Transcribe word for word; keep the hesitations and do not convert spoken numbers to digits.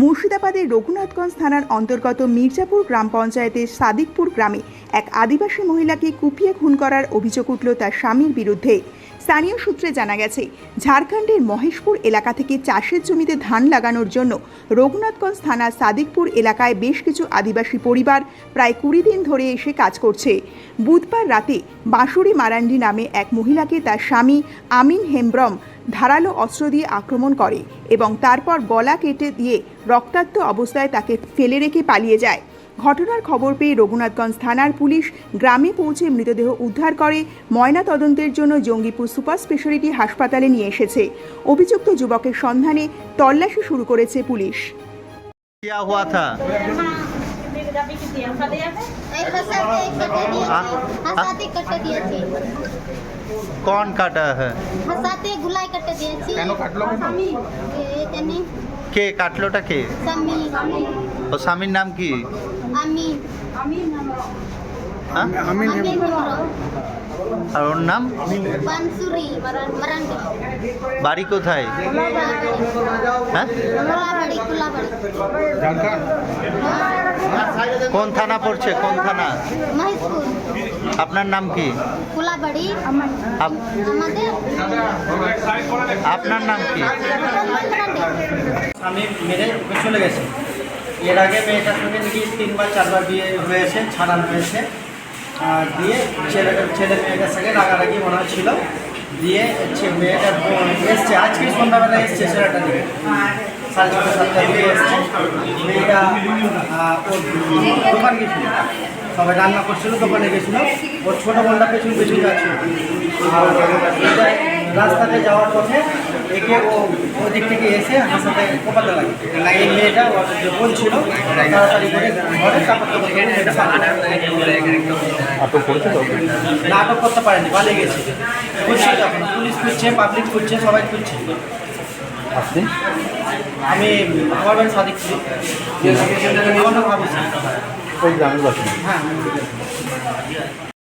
মুর্শিদাবাদের রঘুনাথগঞ্জ থানার অন্তর্গত মির্জাপুর গ্রাম পঞ্চায়েতের সাদিকপুর গ্রামে এক আদিবাসী মহিলাকে কুপিয়ে খুন করার অভিযোগ উঠল তার স্বামীর বিরুদ্ধে। স্থানীয় সূত্রে জানা গেছে, ঝাড়খণ্ডের মহেশপুর এলাকা থেকে চাষের জমিতে ধান লাগানোর জন্য রঘুনাথগঞ্জ থানার সাদিকপুর এলাকায় বেশ কিছু আদিবাসী পরিবার প্রায় কুড়ি দিন ধরে এসে কাজ করছে। বুধবার রাতে বাঁশুরি মারান্ডি নামে এক মহিলাকে তার স্বামী আমিন হেমব্রম ধারালো অস্ত্র দিয়ে আক্রমণ করে এবং তারপর গলা কেটে দিয়ে রক্তাক্ত অবস্থায় তাকে ফেলে রেখে পালিয়ে যায়। ঘটনার খবর পেয়ে রঘুনাথগঞ্জ থানার পুলিশ গ্রামে পৌঁছে মৃতদেহ উদ্ধার করে ময়না তদন্তের জন্য জঙ্গিপুর সুপার স্পেশালিটি হাসপাতালে নিয়ে এসেছে। অভিযুক্ত যুবকের সন্ধানে তল্লাশি শুরু করেছে পুলিশ। क्या हुआ था? कौन काटा है? हसाते गुलाई काटे दिएছি কেন কাটলো কেন? এ জানি কে কাটলোটা কে? সামি ও স্বামীর নাম কি? আমি হ্যাঁ? আমি আমি আর ওর নাম? বানসুরি মারান্ডি বাড়ি কোথায়? হ্যাঁ? কুলাবাড়ি কুলাবাড়ি ঝাড়খণ্ড কোন থানা পড়ছে? কোন থানা? মহেশপুর আপনার নাম কি? কুলাবাড়ি আপ- আমাদের আপনার নাম কি? স্বামী মেরে ওকে চলে গেছে। এর আগে মেয়েটার সঙ্গে নাকি তিনবার চারবার বিয়ে হয়েছে, ছাড়ানো হয়েছে। আর দিয়ে ছেলেটা ছেলে মেয়েটার সঙ্গে রাগারাগি মনে হয় ছিল। দিয়ে ছে- মেয়েটা এসছে, আজকে সন্ধ্যাবেলা এসছে ছেলেটা দিকে সাড়ে ছটা সাতটার দিকে এসছে। মেয়েটা আহ, ওর দোকান গেছিল, সবাই রান্না করছিল, দোকানে গেছিলো। ওর ছোটো বোনটা পেছন পেছন যাচ্ছিল। আর এটা রাস্তাতে যাওয়ার পথে একে ও ওদিক থেকে এসে আমার সাথে কোপাতে লাগে। এই মেয়েটা ওর যে বোন ছিল তাড়াতাড়ি করে ঘরে কাপড় কাপড় করে মেয়েটা পালিয়ে আটক করেছে তো? না, আটক করতে পারেনি, পালিয়ে গেছে। খুঁজছে যখন পুলিশ খুঁজছে, পাবলিক খুঁজছে, সবাই খুঁজছে। আপনি আমি আমার বাড়ি সাদিকপুর, আমার নাম ভাবিস। ওই গ্রামের বাসিন্দা। হ্যাঁ।